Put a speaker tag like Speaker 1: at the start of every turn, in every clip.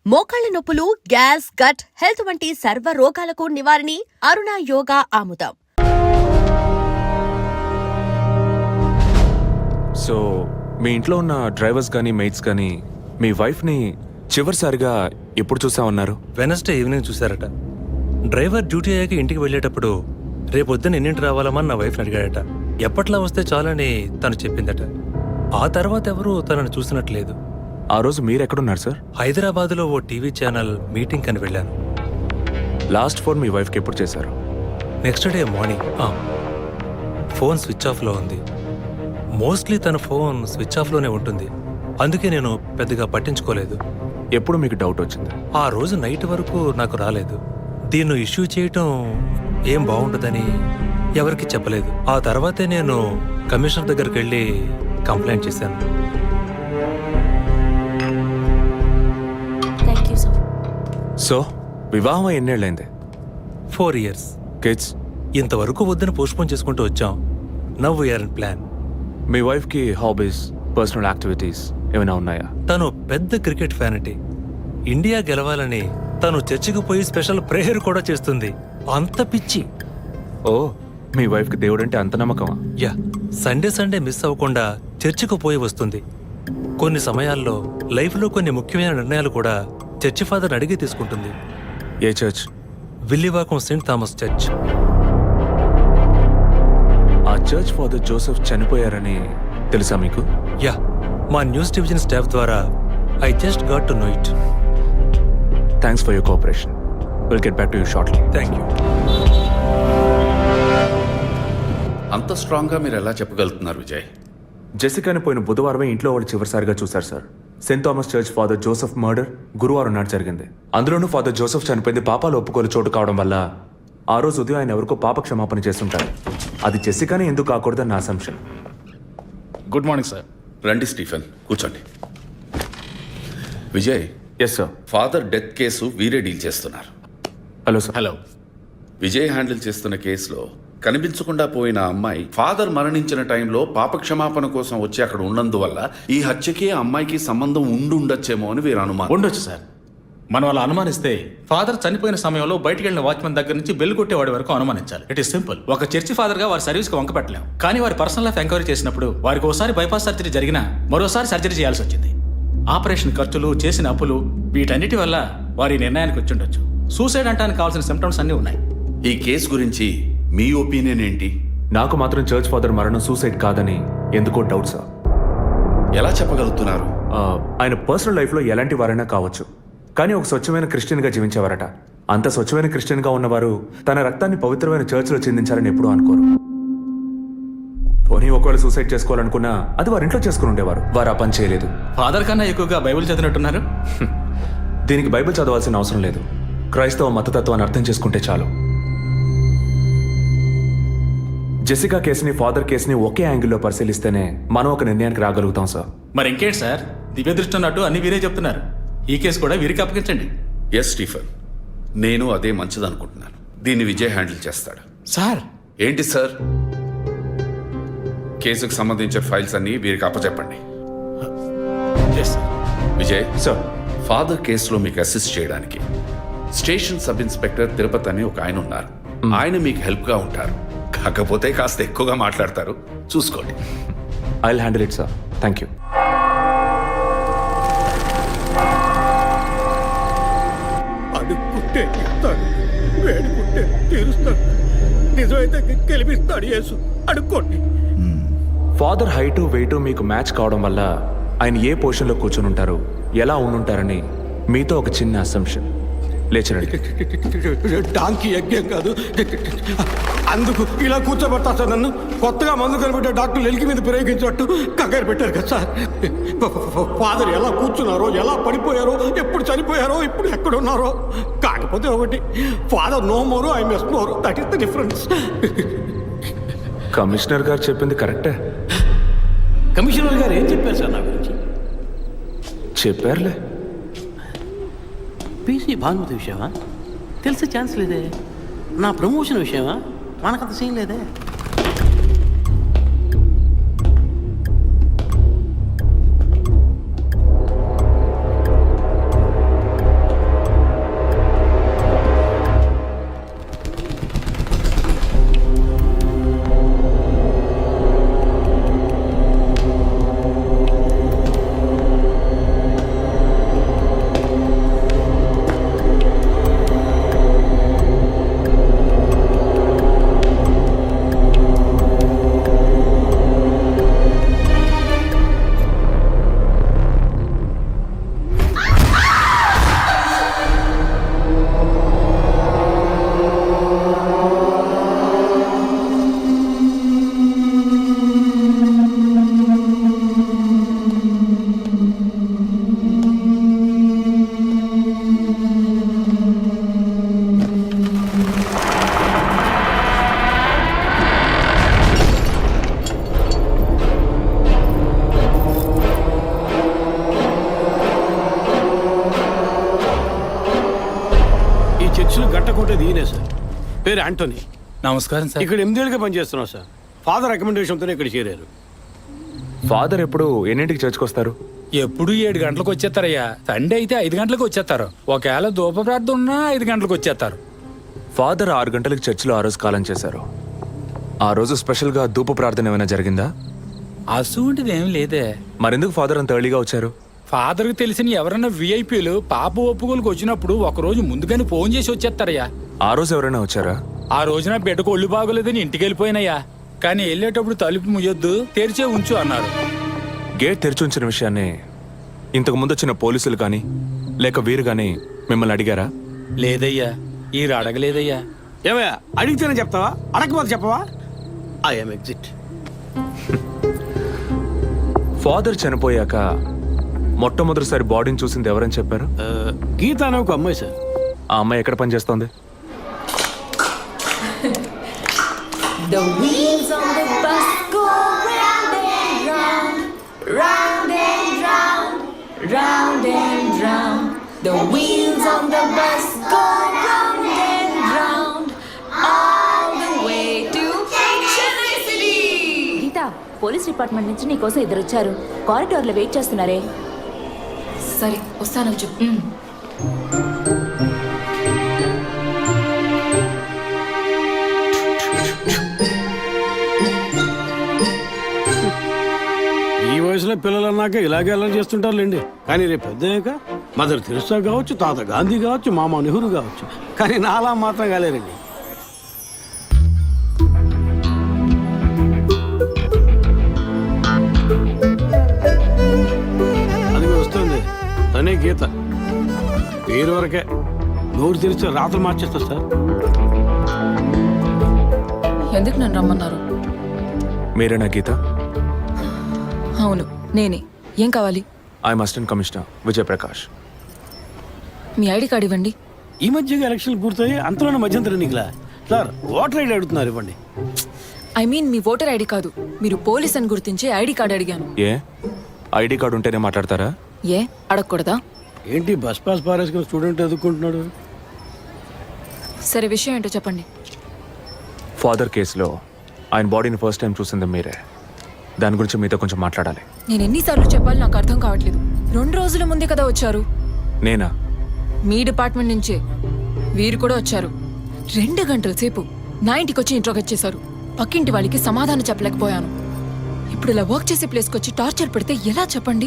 Speaker 1: మోకాళ్ల నొప్పులు, gas, gut health వంటి సర్వ రోగాలకు నివారణి అరుణ యోగా ఆముదం.
Speaker 2: సో మీ ఇంట్లో ఉన్న డ్రైవర్స్ కానీ మెయిట్స్ కానీ మీ వైఫ్ని చివరిసారిగా ఎప్పుడు చూసామన్నారు?
Speaker 3: వెనస్డే ఈవినింగ్ చూశారట. డ్రైవర్ డ్యూటీ అయ్యాక ఇంటికి వెళ్ళేటప్పుడు రేపొద్దున ఎన్నింటి రావాలమని నా వైఫ్ని అడిగాడట. ఎప్పట్లా వస్తే చాలని తను చెప్పిందట. ఆ తర్వాత ఎవరూ తనను చూసినట్లేదు.
Speaker 2: ఆ రోజు మీరు ఎక్కడున్నారు సార్?
Speaker 3: హైదరాబాద్లో ఓ టీవీ ఛానల్ మీటింగ్ అని వెళ్ళాను.
Speaker 2: లాస్ట్ ఫోన్ మీ వైఫ్కి ఎప్పుడు చేశారు?
Speaker 3: Next day morning. Phone switch ఆఫ్లో ఉంది. మోస్ట్లీ తన ఫోన్ స్విచ్ ఆఫ్లోనే ఉంటుంది. అందుకే నేను పెద్దగా పట్టించుకోలేదు.
Speaker 2: ఎప్పుడు మీకు డౌట్ వచ్చింది?
Speaker 3: ఆ రోజు నైట్ వరకు నాకు రాలేదు. దీన్ని ఇష్యూ చేయటం ఏం బాగుంటుందని ఎవరికి చెప్పలేదు. ఆ తర్వాతే నేను కమిషనర్ దగ్గరికి వెళ్ళి కంప్లైంట్ చేశాను.
Speaker 2: సో వివాహం ఎన్నేళ్ళైంది?
Speaker 3: 4 years.
Speaker 2: కిడ్స్?
Speaker 3: ఇంతవరకు వద్దని పోస్ట్పోన్ చేసుకుంటూ వచ్చాం. Now we're in plan.
Speaker 2: మీ వైఫ్కి హాబీస్, పర్సనల్ యాక్టివిటీస్ ఏమైనా ఉన్నాయా?
Speaker 3: తను పెద్ద క్రికెట్ ఫ్యానిటీ. ఇండియా గెలవాలని తను చర్చికి పోయి స్పెషల్ ప్రేయర్ కూడా చేస్తుంది. అంత పిచ్చి.
Speaker 2: ఓ, మీ వైఫ్కి దేవుడంటే అంత నమ్మకమా?
Speaker 3: యా, సండే మిస్ అవ్వకుండా చర్చికి పోయి వస్తుంది. కొన్ని సమయాల్లో లైఫ్లో కొన్ని ముఖ్యమైన నిర్ణయాలు కూడా చర్చి ఫాదర్ అడిగి తీసుకుంటుంది.
Speaker 2: ఏ church?
Speaker 3: Villivakkam Saint Thomas church.
Speaker 2: ఆ చర్చ్ ఫాదర్ జోసెఫ్ చనిపోయారని తెలుసా మీకు?
Speaker 3: యా, మా న్యూస్ డివిజన్ స్టాఫ్ ద్వారా I just got to know it.
Speaker 2: Thanks for your cooperation. Will get back to you shortly.
Speaker 3: Thank you.
Speaker 4: అంత స్ట్రాంగ్గా మీరు ఎలా చెప్పగలుగుతున్నారు విజయ్?
Speaker 2: జెసికాని పోయిన బుధవారమే ఇంట్లో వాళ్ళు చివరిసారిగా చూశారు sir. Saint Thomas church father Joseph murder గురువారం నాడు జరిగింది. అందులోనూ ఫాదర్ జోసెఫ్ చనిపోయింది పాపాలు ఒప్పుకోలు చోటు కావడం వల్ల ఆ రోజు ఉదయం ఆయన ఎవరికో పాప క్షమాపణ చేస్తుంటారు. అది జెసికానే ఎందుకు కాకూడదని నా అసంప్షన్.
Speaker 5: Good morning sir.
Speaker 4: రండి స్టీఫెన్, కూర్చోండి. Vijay,
Speaker 2: yes sir.
Speaker 4: Father death case వీరే డీల్ చేస్తున్నారు.
Speaker 2: Hello sir.
Speaker 5: Hello.
Speaker 4: Vijay handle చేస్తున్న కేసులో కనిపించకుండా పోయిన అమ్మాయి ఫాదర్ మరణించిన టైంలో పాప క్షమాపణ కోసం వచ్చి అక్కడ ఉన్నందువల్ల ఈ హత్యకి ఆ అమ్మాయికి సంబంధం ఉండొచ్చేమో అని వీరు అనుమానం.
Speaker 5: ఉండొచ్చు సార్. మనం అలా అనుమానిస్తే ఫాదర్ చనిపోయిన సమయంలో బయటికి వెళ్ళిన వాచ్మెన్ దగ్గర నుంచి బెల్ కొట్టేవాడి వరకు అనుమానించాలి. It is simple. ఒక చర్చి ఫాదర్ గా వారి సర్వీస్ కి వంక పెట్టలేం. కానీ వారి పర్సనల్ లైఫ్ ఎంక్వైరీ చేసినప్పుడు వారికి ఒకసారి బైపాస్ సర్జరీ జరిగినా మరోసారి సర్జరీ చేయాల్సి వచ్చింది. ఆపరేషన్ ఖర్చులు, చేసిన అప్పులు, వీటన్నిటి వల్ల వారి నిర్ణయానికి వచ్చి ఉండొచ్చు. సూసైడ్ అంటానికి కావాల్సిన సిమ్టమ్స్ అన్నీ ఉన్నాయి.
Speaker 4: ఈ కేసు గురించి మీ ఒపీనియన్ ఏంటి?
Speaker 2: నాకు మాత్రం చర్చ్ ఫాదర్ మరణం సూసైడ్ కాదని ఎందుకో డౌట్ సార్.
Speaker 4: ఎలా చెప్పగలుగుతున్నారు?
Speaker 2: ఆయన పర్సనల్ లైఫ్లో ఎలాంటి వారైనా కావచ్చు, కానీ ఒక స్వచ్ఛమైన క్రిస్టియన్గా జీవించేవారట. అంత స్వచ్ఛమైన క్రిస్టియన్గా ఉన్నవారు తన రక్తాన్ని పవిత్రమైన చర్చ్లో చెందించాలని ఎప్పుడూ అనుకోరు. పోనీ ఒకవేళ సూసైడ్ చేసుకోవాలనుకున్నా అది వారి ఇంట్లో చేసుకుని ఉండేవారు. వారు ఆ పని చేయలేదు.
Speaker 5: ఫాదర్ కన్నా ఎక్కువగా బైబిల్ చదివినట్టున్నారు.
Speaker 2: దీనికి బైబిల్ చదవాల్సిన అవసరం లేదు. క్రైస్తవ మతతత్వాన్ని అర్థం చేసుకుంటే చాలు. జెసికా కేసుని, ఫాదర్ కేసుని ఒకే యాంగిల్లో పరిశీలిస్తేనే మనం ఒక నిర్ణయానికి రాగలుగుతాం సార్.
Speaker 5: మరి ఇంకేంటి సార్, దివ్య దృష్టి ఉన్నట్టు అన్ని వీరే చెప్తున్నారు. ఈ కేసు కూడా వీరికి అప్పగించండి.
Speaker 4: ఎస్ స్టీఫెన్, నేను అదే మంచిదనుకుంటున్నాను. దీన్ని విజయ్ హ్యాండిల్ చేస్తాడు.
Speaker 5: సార్.
Speaker 4: ఏంటి సార్? కేసుకు సంబంధించిన ఫైల్స్ అన్ని వీరికి అప్పచెప్పండి. విజయ్
Speaker 2: సార్,
Speaker 4: ఫాదర్ కేసులో మీకు అసిస్ట్ చేయడానికి స్టేషన్ సబ్ ఇన్స్పెక్టర్ తిరుపతి అని ఒక ఆయన ఉన్నారు. ఆయన మీకు హెల్ప్గా ఉంటారు. కాకపోతే కాస్త ఎక్కువగా మాట్లాడతారు, చూసుకోండి.
Speaker 2: I will handle it sir. Thank you.
Speaker 6: అడుక్కుంటే ఇస్తాడు, వేడుకుంటే తీరుస్తాడు, నిజమైతే గెలిపిస్తాడు యేసు. అడుక్కోండి.
Speaker 2: ఫాదర్ హైటు వెయిటు మీకు మ్యాచ్ కావడం వల్ల ఆయన ఏ పొజిషన్లో కూర్చొని ఉంటారు, ఎలా ఉండుంటారని మీతో ఒక చిన్న అసంప్షన్. లేచరండి.
Speaker 6: డాంకీ యజ్ఞం కాదు, అందుకు ఇలా కూర్చోబెడతా సార్. నన్ను కొత్తగా మందు కనిపెట్టే డాక్టర్లు ఎలికి మీద ప్రయోగించినట్టు కంగారు పెట్టారు కదా సార్. ఫాదర్ ఎలా కూర్చున్నారో, ఎలా పడిపోయారో, ఎప్పుడు చనిపోయారో, ఇప్పుడు ఎక్కడున్నారో. కాకపోతే ఒకటి, father no more, I mess more. That is the difference.
Speaker 2: Commissioner గారు చెప్పింది కరెక్టే.
Speaker 6: కమిషనర్ గారు ఏం చెప్పారు సార్ నా గురించి?
Speaker 2: చెప్పారులే.
Speaker 7: పీసీ భానుమతి విషయమా? తెలిసే ఛాన్స్ లేదే. నా ప్రమోషన్ విషయమా? మనకంత సీన్ లేదే.
Speaker 6: లక్షలు గట్టకొట్టేది ఈయనే సార్. పేరు యాంటోనీ.
Speaker 5: నమస్కారం సార్.
Speaker 6: ఇక్కడ 8 ఏళ్ళుగా పనిచేస్తున్నాం సార్. ఫాదర్ రికమెండేషన్తోనే ఇక్కడ చేరారు.
Speaker 2: ఫాదర్ ఎప్పుడు ఎన్నింటికి చర్చ్కి వస్తారు?
Speaker 8: ఎప్పుడు 7 గంటలకు వచ్చేస్తారయ్యా. సండే అయితే 5 గంటలకు వచ్చేస్తారు. ఒకవేళ ధూప ప్రార్థన ఉన్నా 5 గంటలకు వచ్చేస్తారు.
Speaker 2: ఫాదర్ 6 గంటలకు చర్చిలో ఆ రోజు కాలం చేశారు. ఆ రోజు స్పెషల్గా ధూప ప్రార్థన ఏమైనా జరిగిందా?
Speaker 8: అసువంటిది ఏం లేదే.
Speaker 2: మరెందుకు ఫాదర్ అంత ఎర్లీగా వచ్చారు?
Speaker 8: ఫాదర్కి తెలిసిన ఎవరైనా విఐపీలు పాప ఒప్పుకోలకు వచ్చినప్పుడు ఒకరోజు ముందుగానే ఫోన్ చేసి వచ్చేస్తారయ్యా.
Speaker 2: ఆ రోజు ఎవరైనా వచ్చారా?
Speaker 8: ఆ రోజున బిడ్డకు ఒళ్ళు బాగోలేదని ఇంటికి వెళ్ళిపోయినయ్యా. కానీ వెళ్ళేటప్పుడు తలుపు ముయ్యొద్దు, తెరిచే ఉంచు అన్నారు.
Speaker 2: గేట్ తెరిచి ఉంచిన విషయాన్ని ఇంతకు ముందు వచ్చిన పోలీసులు కానీ లేక వీరు కానీ మిమ్మల్ని అడిగారా?
Speaker 8: లేదయ్యా, ఈ అడగలేదయ్యా.
Speaker 6: ఏమయ్యా అడిగితేనే చెప్తావా, అడగకపోతే చెప్పవా? I'm exit.
Speaker 2: ఫాదర్ చనిపోయాక మొట్టమొదటిసారి బాడీని చూసింది ఎవరని చెప్పారు?
Speaker 6: గీత అనే ఒక అమ్మాయి సార్.
Speaker 2: ఆ అమ్మాయి ఎక్కడ పనిచేస్తోంది?
Speaker 9: The wheels on the bus go round and round, round and round, round and round. The wheels on the bus go round and round, all the way to Chennai City.
Speaker 10: Geetha, police department నుంచి నీకోసం ఇద్దరు వచ్చారు. కారిడార్లో wait చేస్తున్నారే.
Speaker 9: సరే వస్తాను చెప్పు.
Speaker 6: ఈ వయసులో పిల్లలు అన్నాక ఇలాగే అల్లరి చేస్తుంటారులేండి. కానీ రేపు పెద్దయ్యాక మదర్ తెరిసా కావచ్చు, తాత గాంధీ కావచ్చు, మామ నెహ్రూ కావచ్చు, కానీ నాలా మాత్రం కాలేరండి. అది వస్తుంది తనే గీత. పేరు వరకే, నోరు తెరిస్తే రాత్రి మార్చేస్తా సార్.
Speaker 9: ఎందుకు నన్ను రమ్మన్నారు?
Speaker 2: మీరేనా గీత?
Speaker 9: అవును నేనే. ఏం కావాలి?
Speaker 2: I'm assistant commissioner Vijayaprakash.
Speaker 9: మీ ఐడి కార్డ్ ఇవ్వండి.
Speaker 6: ఈ మధ్యగా ఎలక్షన్లు పూర్తయి అంతలోనే మధ్యంతరం ఎన్నికలా సార్ ఓటర్ ఐడి అడుగుతున్నారు, ఇవ్వండి.
Speaker 9: ఐ మీన్ మీ ఓటర్ ఐడి కాదు, మీరు పోలీస్ అని గుర్తించే ఐడి కార్డ్ అడిగాను.
Speaker 2: ఏ ఐడి కార్డు ఉంటేనే మాట్లాడతారా?
Speaker 9: ఏ అడగకూడదా?
Speaker 6: ఏంటి బస్ పాస్ పారేసుకుని స్టూడెంట్ ఎదుర్కొంటున్నాడు?
Speaker 9: సరే విషయం ఏంటో చెప్పండి.
Speaker 2: ఫాదర్ కేసులో ఆయన బాడీని ఫస్ట్ టైం చూసింది మీరే. దాని గురించి మీతో కొంచెం మాట్లాడాలి.
Speaker 9: నేను ఎన్నిసార్లు చెప్పాలి నాకు అర్థం కావట్లేదు. 2 రోజుల ముందే కదా వచ్చారు.
Speaker 2: నేనా?
Speaker 9: మీ డిపార్ట్మెంట్ నుంచే వీరు కూడా వచ్చారు. 2 గంటల సేపు నా ఇంటికి వచ్చి ఇంట్రోగేట్ చేశారు. పక్కింటి వాళ్ళకి సమాధానం చెప్పలేకపోయాను. ఇప్పుడు ఇలా వర్క్ చేసే ప్లేస్కి వచ్చి టార్చర్ పెడితే ఎలా చెప్పండి?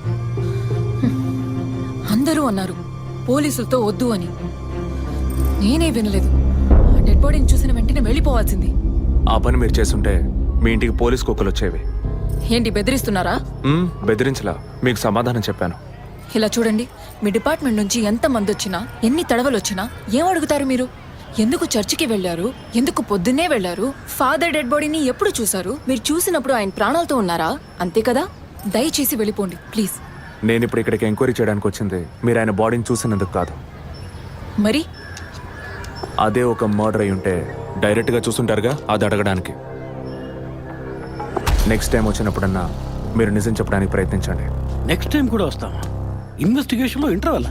Speaker 9: అందరూ అన్నారు పోలీసులతో వద్దు అని. నేనే వినలేదు. డెడ్ బాడీని చూసిన వెంటనే వెళ్ళిపోవాల్సింది.
Speaker 2: ఆ పని మీరు చేస్తుంటే మీ ఇంటికి పోలీస్ కుక్కలు వచ్చేవి.
Speaker 9: ఏంటి బెదిరిస్తున్నారా?
Speaker 2: బెదిరించలా, మీకు సమాధానం చెప్పాను.
Speaker 9: ఇలా చూడండి, మీ డిపార్ట్మెంట్ నుంచి ఎంతమంది వచ్చినా ఎన్ని తడవలు వచ్చినా ఏం అడుగుతారు మీరు? ఎందుకు చర్చికి వెళ్ళారు? ఎందుకు పొద్దున్నే వెళ్ళారు? ఫాదర్ డెడ్ బాడీని ఎప్పుడు చూశారు? మీరు చూసినప్పుడు ఆయన ప్రాణాలతో ఉన్నారా? అంతే కదా. దయచేసి వెళ్ళిపోండి ప్లీజ్.
Speaker 2: నేను ఇప్పుడు ఇక్కడికి ఎంక్వైరీ చేయడానికి వచ్చింది మీరు ఆయన బాడీని చూసినందుకు కాదు.
Speaker 9: మరి
Speaker 2: అదే ఒక మర్డర్ అయి ఉంటే డైరెక్ట్గా చూసుంటారుగా, అది అడగడానికి. నెక్స్ట్ టైం వచ్చినప్పుడన్నా మీరు నిజం చెప్పడానికి ప్రయత్నించండి.
Speaker 6: నెక్స్ట్ టైం కూడా వస్తామా? ఇన్వెస్టిగేషన్లో ఇంటర్వల్.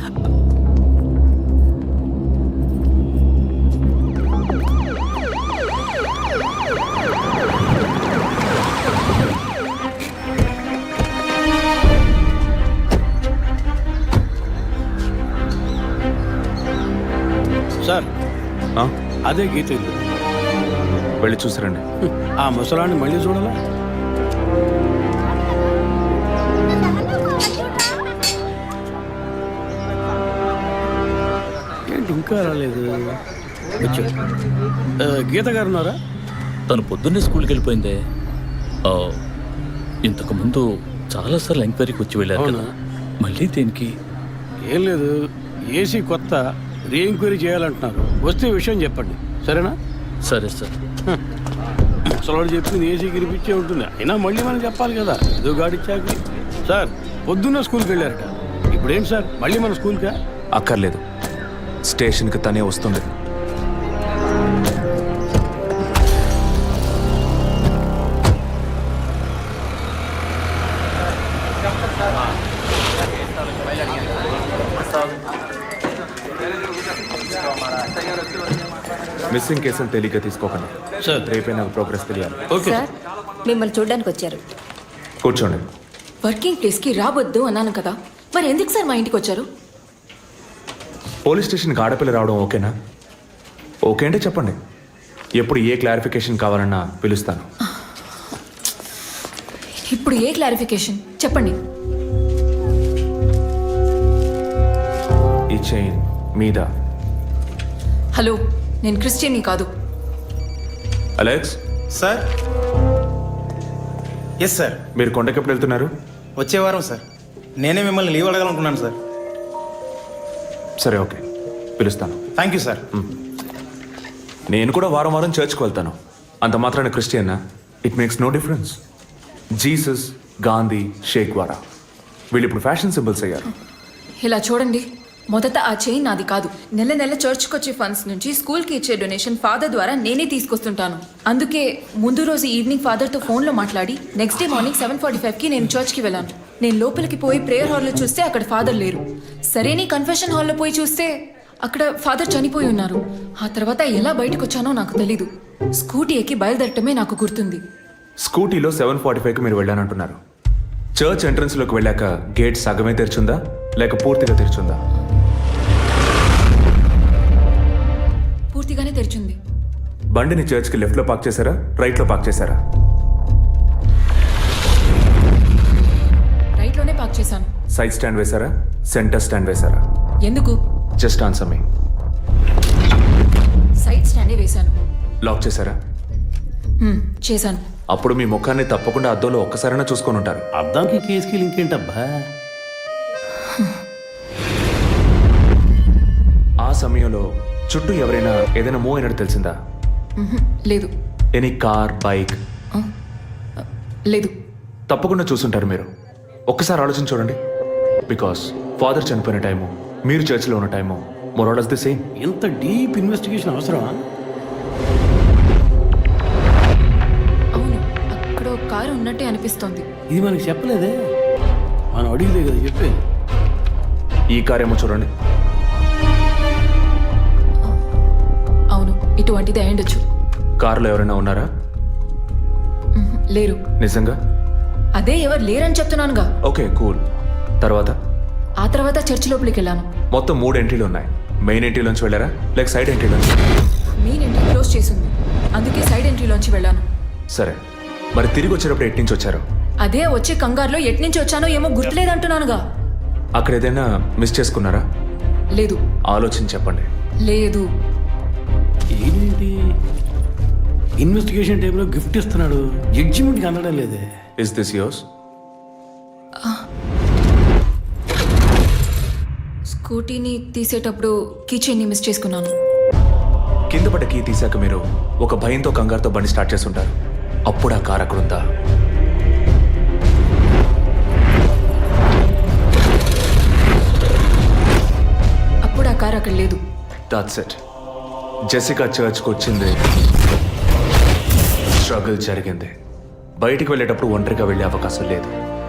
Speaker 6: సార్
Speaker 2: ఆ?
Speaker 6: అదే గీత ఇల్లు.
Speaker 2: వెళ్ళి చూసిరండి.
Speaker 6: ఆ ముసలాన్ని మళ్ళీ చూడాలా? ఏంటి ఇంకా రాలేదు? వచ్చాడు. గీత గారు ఉన్నారా?
Speaker 11: తను పొద్దున్నే స్కూల్కి వెళ్ళిపోయిందే. ఇంతకు ముందు చాలాసార్లు ఎంక్వైరీకి వచ్చి వెళ్ళారు కదా, మళ్ళీ దేనికి?
Speaker 6: ఏం లేదు, ఏసీ కొత్త రీ ఎంక్వైరీ చేయాలంటున్నారు. వస్తే విషయం చెప్పండి, సరేనా?
Speaker 11: సరే సార్.
Speaker 6: ముసలాడు చెప్పింది ఏసీ గిరిపించే ఉంటుంది. అయినా మళ్ళీ మనం చెప్పాలి కదా, ఏదో గాడిచ్చాక. సార్ పొద్దున్న స్కూల్కి వెళ్ళారట, ఇప్పుడేం సార్ మళ్ళీ మన స్కూల్కా?
Speaker 2: అక్కర్లేదు, స్టేషన్కి తనే వస్తుంది. మిస్సింగ్ కేసును తేలిగ్గా తీసుకోకండి
Speaker 11: సార్.
Speaker 2: రేపే నాకు ప్రోగ్రెస్ తెలియాలి.
Speaker 9: సార్ మిమ్మల్ని చూడడానికి వచ్చారు.
Speaker 2: కూర్చోండి.
Speaker 9: వర్కింగ్ ప్లేస్కి రావద్దు అన్నాను కదా, మరి ఎందుకు సార్ మా ఇంటికి వచ్చారు?
Speaker 2: పోలీస్ స్టేషన్కి ఆడపిల్ల రావడం ఓకేనా? ఓకే అంటే చెప్పండి. ఎప్పుడు ఏ క్లారిఫికేషన్ కావాలన్నా పిలుస్తాను.
Speaker 9: ఇప్పుడు ఏ క్లారిఫికేషన్ చెప్పండి.
Speaker 2: ఈ చైన్ మీద.
Speaker 9: హలో, నేను క్రిస్టియన్ని కాదు.
Speaker 2: Alex,
Speaker 12: sir. Yes sir.
Speaker 2: మీరు కొండకి ఎప్పుడు వెళ్తున్నారు?
Speaker 12: వచ్చే వారం సార్. నేనే మిమ్మల్ని లీవ్ అడగాలనుకున్నాను సార్.
Speaker 2: సరే, ఓకే, పిలుస్తాను.
Speaker 12: Thank you sir.
Speaker 2: నేను కూడా వారం వారం చర్చ్కి వెళ్తాను. అంత మాత్రాన క్రిస్టియన్నా? It makes no difference. Jesus, Gandhi, షేక్ వారా వీళ్ళు ఇప్పుడు ఫ్యాషన్ సింబల్స్ అయ్యారు.
Speaker 9: ఇలా చూడండి, మొదట ఆ చైన్ నాది కాదు. నెల నెల చర్చ్కి వచ్చే ఫండ్స్ నుంచి స్కూల్కి ఇచ్చే డొనేషన్ ఫాదర్ ద్వారా నేనే తీసుకొస్తుంటాను. అందుకే ముందు రోజు ఈవినింగ్ ఫాదర్తో ఫోన్లో మాట్లాడి నెక్స్ట్ డే మార్నింగ్ 7:45కి నేను చర్చ్కి వెళ్ళాను. నేను లోపలికి పోయి ప్రేయర్ హాల్లో చూస్తే అక్కడ ఫాదర్ లేరు. సరేని కన్ఫెషన్ హాల్లో పోయి చూస్తే అక్కడ ఫాదర్ చనిపోయి ఉన్నారు. ఆ తర్వాత ఎలా బయటకు వచ్చానో నాకు తెలీదు. స్కూటీ ఎక్కి బయలుదేరటమే నాకు గుర్తుంది.
Speaker 2: స్కూటీలో 7:45కి మీరు వెళ్ళానంటున్నారు. చర్చ్ ఎంట్రన్స్లోకి వెళ్ళాక గేట్ సగమే తెరిచుందా లేక పూర్తిగా తెరిచుందా?
Speaker 9: పూర్తిగానే తెరిచింది.
Speaker 2: బండిని చర్చ్కి లెఫ్ట్లో పార్క్ చేశారా, రైట్లో పార్క్ చేశారా?
Speaker 9: రైట్లోనే పార్క్ చేశాను.
Speaker 2: సైడ్ స్టాండ్ వేశారా, సెంటర్ స్టాండ్ వేశారా?
Speaker 9: ఎందుకు?
Speaker 2: Just answer me.
Speaker 9: సైడ్ స్టాండే వేశాను.
Speaker 2: లాక్ చేశారా?
Speaker 9: చేశాను.
Speaker 2: అప్పుడు మీ ముఖాన్ని తప్పకుండా అద్దంలో ఒక్కసారైనా చూసుకొని ఉంటారు.
Speaker 7: అద్దానికి కేసుకి లింక్ ఏంటబ్బా?
Speaker 2: ఆ సమయంలో చుట్టూ ఎవరైనా ఏదైనా మూవ్ అయినట్టు తెలిసిందా?
Speaker 9: లేదు.
Speaker 2: Any car, bike?
Speaker 9: లేదు.
Speaker 2: తప్పకుండా చూసుంటారు మీరు. ఒక్కసారి ఆలోచన చూడండి. బికాస్ ఫాదర్ చనిపోయిన టైము, మీరు చర్చిలో ఉన్న టైము మోరాలస్ ది సేమ్.
Speaker 7: ఎంత డీప్ ఇన్వెస్టిగేషన్ అవసరమా?
Speaker 9: అవును, అక్కడ ఒక కారు ఉన్నట్టే అనిపిస్తోంది.
Speaker 7: ఇది మనకి చెప్పలేదే, మనం అడిగితే కదా చెప్పేది.
Speaker 2: ఈ కార్ ఏమో చూడండి.
Speaker 9: అవును, ఇటువంటిది అయ్యుండొచ్చు.
Speaker 2: కారులో ఎవరైనా ఉన్నారా?
Speaker 9: లేరు.
Speaker 2: నిజంగా?
Speaker 9: అదే ఎవరు లేరని చెప్తున్నానుగా.
Speaker 2: Okay, cool. తర్వాత?
Speaker 9: ఆ తర్వాత చర్చి లోపలికి వెళ్ళాను.
Speaker 2: మొత్తం 3 ఎంట్రీలు ఉన్నాయి. మెయిన్ ఎంట్రీలోంచి వెళ్ళారా లేక సైడ్ ఎంట్రీలోంచి?
Speaker 9: మెయిన్ ఎంట్రీ క్లోజ్ చేసింది, అందుకే సైడ్ ఎంట్రీలోంచి వెళ్ళాను.
Speaker 2: సరే, మరి తిరిగి వచ్చేటప్పుడు ఎటు నుంచి వచ్చారు?
Speaker 9: అదే వచ్చే కంగారులో ఎట్నుంచి వచ్చానో ఏమో గుర్తులేదంటున్నానుగా.
Speaker 2: అక్కడ ఏదైనా మిస్ చేసుకున్నారా?
Speaker 9: లేదు.
Speaker 2: ఆలోచించి చెప్పండి.
Speaker 9: లేదు.
Speaker 7: ఏంటి ఇన్వెస్టిగేషన్ టైంలో గిఫ్ట్ ఇస్తున్నాడు, జడ్జిమెంట్కి అందడం లేదే.
Speaker 2: Is this yours?
Speaker 9: స్కూటీని తీసేటప్పుడు కీచైన్ని మిస్ చేసుకున్నాను.
Speaker 2: కింద పడ్డ కీ తీసాక మీరు ఒక భయంతో కంగారుతో బండి స్టార్ట్ చేస్తుంటారు. అప్పుడు ఆ కార్ అక్కడ ఉందా?
Speaker 9: అప్పుడు ఆ కారు అక్కడ లేదు.
Speaker 2: That's it. జెసికా చర్చ్కి వచ్చింది, స్ట్రగుల్ జరిగింది. బయటికి వెళ్ళేటప్పుడు ఒంటరిగా వెళ్ళే అవకాశం లేదు.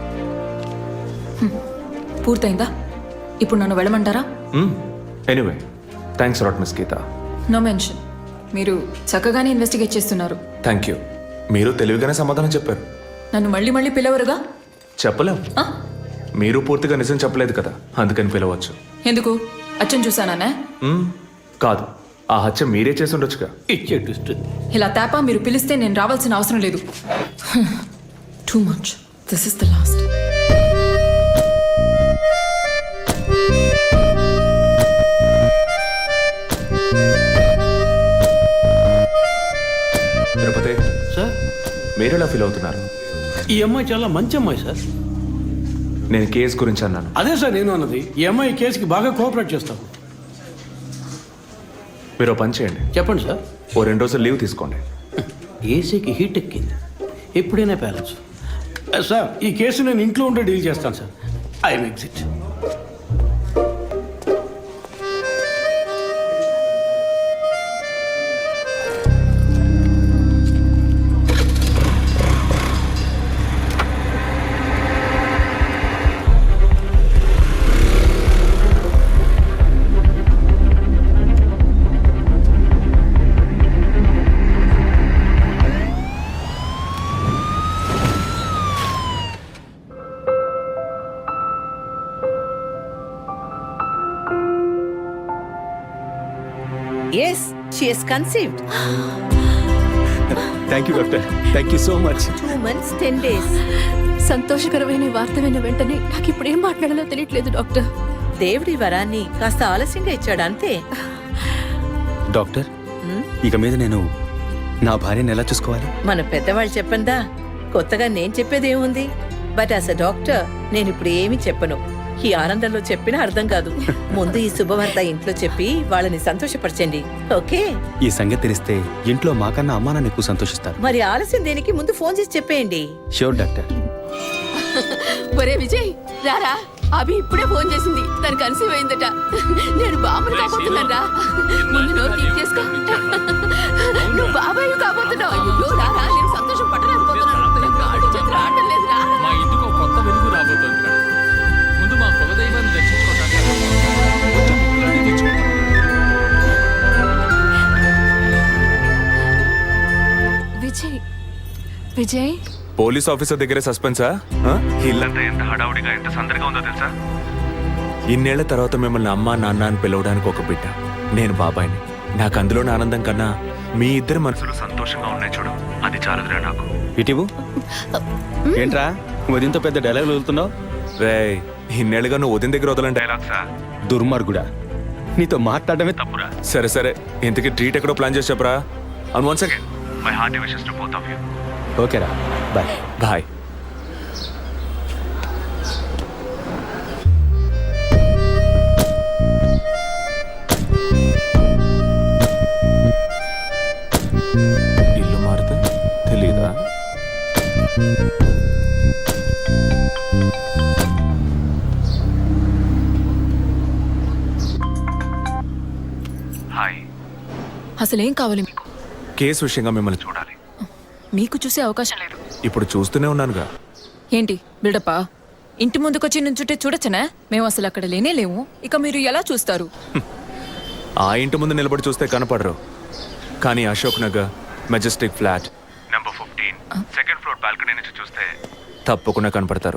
Speaker 9: పూర్తయిందా? ఇప్పుడు నన్ను వెళ్ళమంటారా?
Speaker 2: Anyway, thanks lot miss Geetha.
Speaker 9: No mention. మీరు చక్కగానే ఇన్వెస్టిగేట్ చేస్తున్నారు.
Speaker 2: Thank you. మీరు తెలివిగానే సమాధానం చెప్పారు.
Speaker 9: నన్ను మళ్ళీ మళ్ళీ పిలవరుగా?
Speaker 2: చెప్పలేం.
Speaker 9: ఆ?
Speaker 2: మీరు పూర్తిగా నిజం చెప్పలేదు కదా, అందుకని పిలవచ్చు.
Speaker 9: ఎందుకు? అచ్చం చూసానా?
Speaker 2: కాదు, ఆ హత్య మీరే చేసి ఉండొచ్చుగా.
Speaker 7: ఇచ్చే ట్విస్ట్.
Speaker 9: ఇలా తేపా మీరు పిలిస్తే నేను రావాల్సిన అవసరం లేదు. Too much. This is the last.
Speaker 2: Tirupati
Speaker 7: sir,
Speaker 2: మీరు ఎలా ఫీల్ అవుతున్నారు?
Speaker 7: ఈ అమ్మాయి చాలా మంచి అమ్మాయి సార్.
Speaker 2: నేను కేసు గురించి అన్నాను.
Speaker 7: అదే సార్ నేను అన్నది. ఈ అమ్మాయి కేసుకి బాగా కోఆపరేట్ చేస్తాం.
Speaker 2: మీరు ఓ పని చేయండి.
Speaker 7: చెప్పండి సార్.
Speaker 2: ఓ 2 రోజులు లీవ్ తీసుకోండి.
Speaker 7: ఏసీకి హీట్ ఎక్కింది, ఎప్పుడైనా ప్యాలెన్స్. సార్, ఈ కేసు నేను ఇంట్లో ఉంటే డీల్ చేస్తాను sir. I'm exit.
Speaker 9: Yes, she is conceived.
Speaker 6: Thank you doctor, thank you so much.
Speaker 9: 2 months, 10 days.
Speaker 10: సంతోషకరమైన వార్త విన్న వెంటనే నాకు ఇప్పుడు ఏం మాట్లాడాలో తెలియట్లేదు డాక్టర్.
Speaker 9: దేవుడి వరాన్ని కాస్త ఆలస్యంగా ఇచ్చాడు అంతే.
Speaker 6: డాక్టర్, ఇక మీద నేను నా భార్యను ఎలా చూసుకోవాలి?
Speaker 9: మన పెద్దవాళ్ళు చెప్పందా, కొత్తగా నేను చెప్పేది ఏముంది? బట్ యాజ్ అ డాక్టర్ నేను ఇప్పుడు ఏమీ చెప్పను. ఈ ఆనందంలో చెప్పినా అర్థం కాదు. ముందు ఈ శుభవార్త ఇంట్లో చెప్పి వాళ్ళని సంతోషపరచండి, ఓకే?
Speaker 6: ఈ సంగతి తెలిస్తే ఇంట్లో మాకన్నా అమ్మా నాన్న ఎక్కువ సంతోషిస్తారు.
Speaker 9: మరి ఆలస్యం దేనికి, ముందు ఫోన్ చేసి చెప్పేయండి.
Speaker 6: Sure doctor.
Speaker 10: ఒరే విజయ్, రారా. అభి ఇప్పుడే ఫోన్ చేసింది, తను కన్సీవ్ అయిందట. నేను బాబుని కాబోతున్నారా. ముందు నోరు తీసి చేసుకో. నువ్వు బాబాయ్ కాబోతున్నావు. అయ్యో రారా, నేను సంతోషం పట్టలేకపోతున్నాను. కాళ్ళు చేతులు ఆడటం లేదు రా.
Speaker 8: మా ఇంటికి ఒక కొత్త వెలుగు రాబోతోంది కదా. ముందు మా కులదైవాన్ని దర్శించుకోవటానికి కొంచెం ముక్కులన్నీ తెచ్చుకుంటాం.
Speaker 10: విజయ్, విజయ్,
Speaker 2: పోలీస్ ఆఫీసర్ దగ్గరే సస్పెన్సా? ఇల్లంతా ఎంత హడావుడిగా ఎంత సందడిగా ఉందో తెలుసా? ఇన్నేళ్ల తర్వాత మిమ్మల్ని అమ్మా నాన్న అని పిలవడానికి ఒక బిడ్డ, నేను బాబాయిని. నాకు అందులోని ఆనందం కన్నా మీ ఇద్దరి మనసులు సంతోషంగా ఉన్నాయి చూడు, అది చాలుదురా నాకు.
Speaker 6: ఇటీవు ఏంట్రా ఉదయంతో పెద్ద డైలాగ్ వదులుతున్నావు?
Speaker 2: రే, ఇన్నేళ్ళుగా నువ్వు ఉదయం దగ్గర వదలని డైలాగ్సా?
Speaker 6: దుర్మార్గుడా, నీతో మాట్లాడటమే తప్పురా.
Speaker 2: సరే సరే, ఇంతకీ ట్రీట్ ఎక్కడో ప్లాన్ చేసి చెప్పరా. And once again my hearty wishes to both of you.
Speaker 6: ఓకేరా, బాయ్.
Speaker 2: బాయ్. ఇల్లు మారితే తెలీదా? హాయ్.
Speaker 10: అసలేం కావాలి మీకు?
Speaker 2: కేసు విషయంగా మిమ్మల్ని చూడాలి.
Speaker 10: మీకు చూసే అవకాశం లేదు.
Speaker 2: ఇప్పుడు చూస్తూనే ఉన్నానుగా.
Speaker 10: ఏంటి బిల్డప్పా? ఇంటి ముందుకొచ్చి నుంచుంటే చూడొచ్చనా? మేము అసలు అక్కడ లేనే లేవు, ఇక మీరు ఎలా చూస్తారు?
Speaker 2: ఆ ఇంటి ముందు నిలబడి చూస్తే కనపడరు, కానీ Ashok Nagar majestic flat number 15 second floor balcony నుంచి చూస్తే తప్పకుండా కనపడతారు.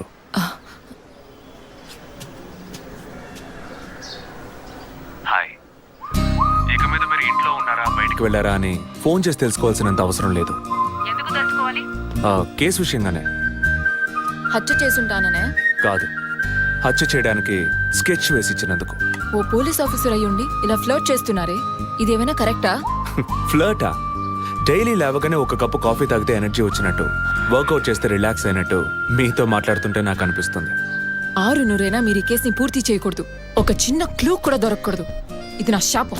Speaker 2: హాయ్. ఇక మీద మీరు ఇంట్లో ఉన్నారా బయటికి వెళ్ళారా అని ఫోన్ చేసి తెలుసుకోవాల్సినంత అవసరం లేదు.
Speaker 10: ఎందుకు తెలుసుకోవాలి?
Speaker 2: కేసు విషయంగానే.
Speaker 10: హత్య చేసుంటాననే?
Speaker 2: కాదు, హత్య చేయడానికి స్కెచ్ వేసి ఇచ్చినందుకు.
Speaker 10: ఓ పోలీస్ ఆఫీసర్ అయ్యుండి ఇలా ఫ్లర్ట్ చేస్తున్నారే, ఇదేమైనా కరెక్టా?
Speaker 2: ఫ్లర్టా? డైలీ లేవగానే ఒక కప్పు కాఫీ తాగితే ఎనర్జీ వచ్చినట్టు, వర్కౌట్ చేస్తే రిలాక్స్ అయినట్టు మీతో మాట్లాడుతుంటే నాకు అనిపిస్తుంది.
Speaker 10: 6 మీరు ఈ కేసుని పూర్తి చేయకూడదు. ఒక చిన్న క్లూ కూడా దొరకకూడదు. ఇది నా శాపం.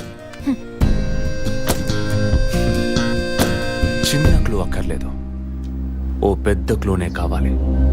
Speaker 2: చిన్న క్లూ అక్కర్లేదు, ఓ పెద్ద క్లూనే కావాలి.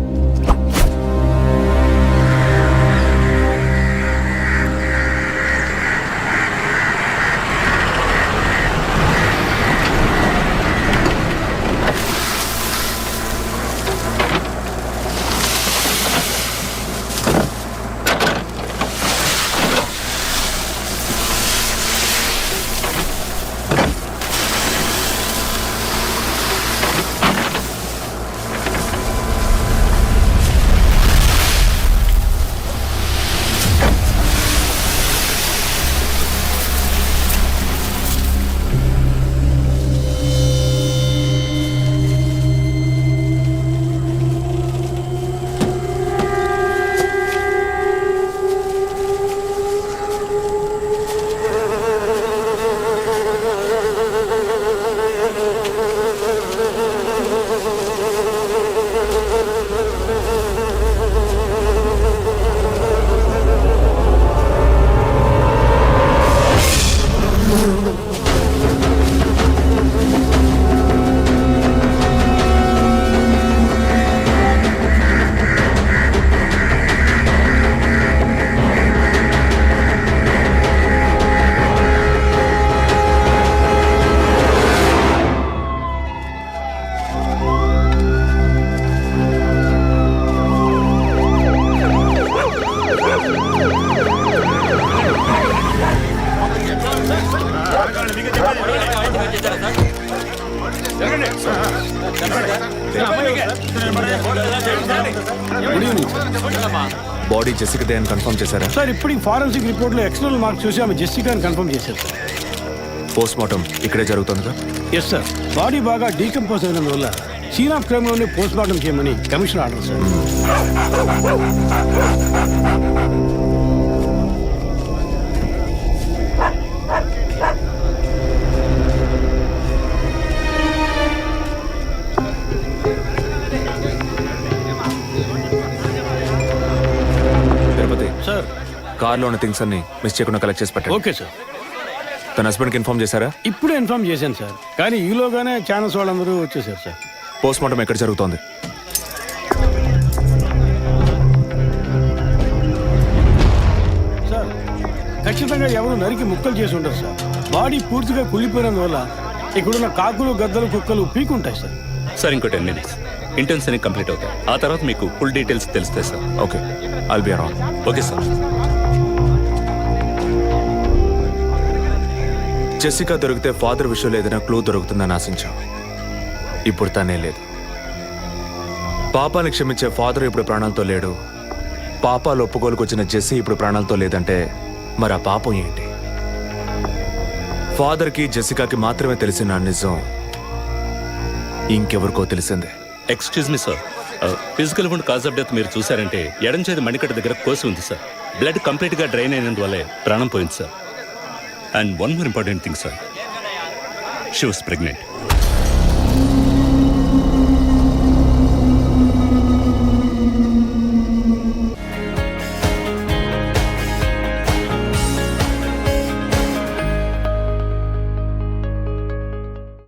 Speaker 2: బాడీ జెసికా దే అని కన్ఫర్మ్ చేశారా?
Speaker 6: సార్ ఇప్పుడు ఫారెన్సిక్ రిపోర్ట్లో ఎక్స్టర్నల్ మార్క్స్ చూసి ఆమె జెసికా అని కన్ఫర్మ్ చేశారు సార్.
Speaker 2: పోస్ట్ మార్టం ఇక్కడే జరుగుతుందిగా?
Speaker 7: ఎస్ సార్, బాడీ బాగా డీకంపోజ్ అయినందువల్ల సీన్ ఆఫ్ క్రైమ్లోనే పోస్ట్ మార్టం చేయమని commissioner order sir.
Speaker 2: Tirupati
Speaker 7: sir
Speaker 2: కార్లో ఉన్న థింగ్స్ అన్ని మిస్ చేయకుండా కలెక్ట్ చేసి పెట్టండి.
Speaker 7: Okay sir.
Speaker 2: తన హస్బెండ్కి ఇన్ఫార్మ్ చేశారా?
Speaker 7: ఇప్పుడే ఇన్ఫార్మ్ చేశాను సార్, కానీ ఈలోగానే ఛానల్స్ వాళ్ళందరూ వచ్చేసారు సార్.
Speaker 2: పోస్ట్ మార్టం ఎక్కడ జరుగుతోంది?
Speaker 7: సార్ ఖచ్చితంగా ఎవరు నరికి ముక్కలు చేసి ఉంటారు సార్. బాడీ పూర్తిగా కుళ్ళిపోయినందువల్ల ఇక్కడున్న కాకులు గద్దలు కుక్కలు పీకుంటాయి సార్.
Speaker 11: సార్ ఇంకో 10 minutes ఇంటెన్స్ అని కంప్లీట్ అవుతాయి. ఆ తర్వాత మీకు ఫుల్ డీటెయిల్స్ తెలుస్తాయి sir.
Speaker 2: Okay, I'll be around.
Speaker 11: Okay sir.
Speaker 2: Jessica దొరికితే ఫాదర్ విషయంలో ఏదైనా క్లూ దొరుకుతుందని ఆశించాం. ఇప్పుడు తనే లేదు. పాపాన్ని క్షమించే ఫాదర్ ఇప్పుడు ప్రాణాలతో లేడు. పాపాలు ఒప్పుకోలుకు వచ్చిన జెస్సీ ఇప్పుడు ప్రాణాలతో లేదంటే మరి ఆ పాపం ఏంటి? ఫాదర్కి జెసికాకి మాత్రమే తెలిసిన నిజం ఇంకెవరికో తెలిసిందే.
Speaker 11: Excuse me sir, physical wound cause of death మీరు చూసారంటే ఎడం చేతి మణికట్ట దగ్గర కోసి ఉంది సార్. బ్లడ్ కంప్లీట్గా డ్రైన్ అయినందువల్లే ప్రాణం పోయింది sir. And one more important thing sir, she was pregnant.